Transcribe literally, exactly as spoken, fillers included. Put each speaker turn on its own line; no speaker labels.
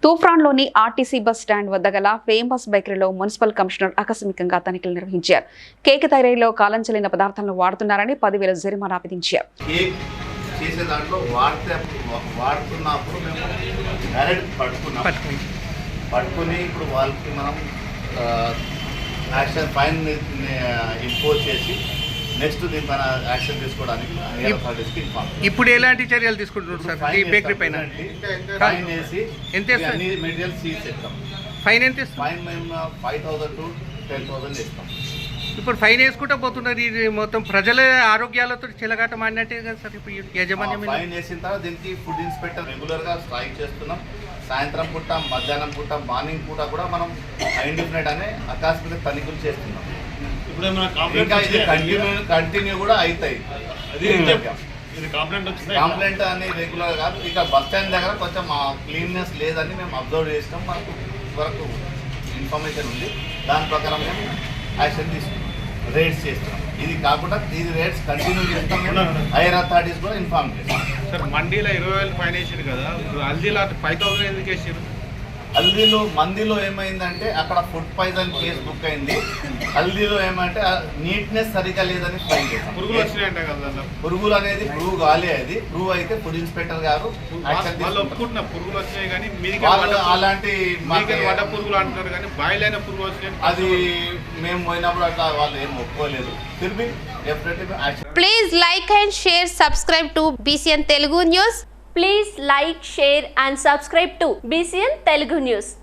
తూఫ్రాన్లోని RTC bus stand వద్ద గల famous బేకరీలో municipal commissioner ఆకస్మికంగా తనిఖీలు నిర్వహించారు. కేక్ తయారీలో కాలం చెల్లిన పదార్థాలను వాడుతున్నారని పదివేల జరిమానా విధించారు.
చేసే దాంట్లో వాడితే వాడుతున్నప్పుడు మేము డైరెక్ట్ పట్టుకున్నాం పట్టుకుని ఇప్పుడు వాళ్ళకి మనం యాక్షన్ ఫైన్ ఇంపోజ్ చేసి నెక్స్ట్ దీనిపైన యాక్షన్ తీసుకోవడానికి
ఇప్పుడు ఎలాంటి చర్యలు తీసుకుంటున్నారు సార్? ఈ బేకరీ పైన
ఫైన్ వేసి
ఎంత
అన్ని మెటీరియల్ సీజ్ చేస్తాం.
ఫైన్ ఎంత
ఫైన్ మేము five thousand to ten thousand ఇస్తాం.
ఇప్పుడు ఫైన్ వేసుకుంటూ పోతున్నారు. ఇది మొత్తం ప్రజల ఆరోగ్యాలతో చిలగాట మాడినట్టే కదా సార్. ఇప్పుడు యజమాన్యం
ఫైన్ వేసిన తర్వాత దీనికి ఫుడ్ ఇన్స్పెక్టర్ రెగ్యులర్గా స్ట్రైక్ చేస్తున్నాం. సాయంత్రం పూట, మధ్యాహ్నం పూట, మార్నింగ్ పూట కూడా మనం ఇండిఫినెట్ అనే ఆకస్మిక తనిఖీలు చేస్తున్నాం.
ఇప్పుడు
ఇంకా ఇది కంటిన్యూ కంటిన్యూ కూడా అవుతాయి. కంప్లైంట్ అని రెగ్యులర్ కాదు. ఇక బస్ స్టాండ్ దగ్గర కొంచెం క్లీన్నెస్ లేదని మేము అబ్జర్వ్ చేసినాం. మనకు వరకు ఇన్ఫర్మేషన్ ఉంది. దాని ప్రకారం మేము యాక్షన్ తీసుకున్నాం, రేట్స్ చేస్తున్నాం. ఇది కాకుండా ఇది రేట్స్ కంటిన్యూ చేస్తాం. హైయర్ అథారిటీస్ కూడా ఇన్ఫార్మ్ చేస్తాం.
సార్ మండీలో ఇరవై వేలు ఫైన్ వేసారు కదా, హల్దీలో ఫైవ్ థౌసండ్ ఎందుకు వేసారు?
హల్దీలో మందిలో ఏమైందంటే అక్కడ ఫుడ్ పాయిజన్ కేసు బుక్ అయింది. హల్దీలో ఏమంటే నీట్నెస్ సరిగా లేదని ఫైన్ చేస్తాం.
పురుగులు వచ్చినాయంట కదా.
పురుగులు అనేది ప్రూవ్ కాలే. అది ప్రూవ్ అయితే ఫుడ్ ఇన్స్పెక్టర్ గారు
ఒప్పుకుంటున్నా పురుగులు వచ్చినాయి, కానీ
అలాంటి
వడ్డ పురుగులు అంటున్నారు, కానీ బాయిల్ అయిన పురుగులు వచ్చినాయి.
అది మేము పోయినప్పుడు అట్లా వాళ్ళు ఏం ఒప్పుకోలేదు. తిరిగి
please like and share, subscribe to BCN Telugu news.
Please like, share and subscribe to B C N Telugu News.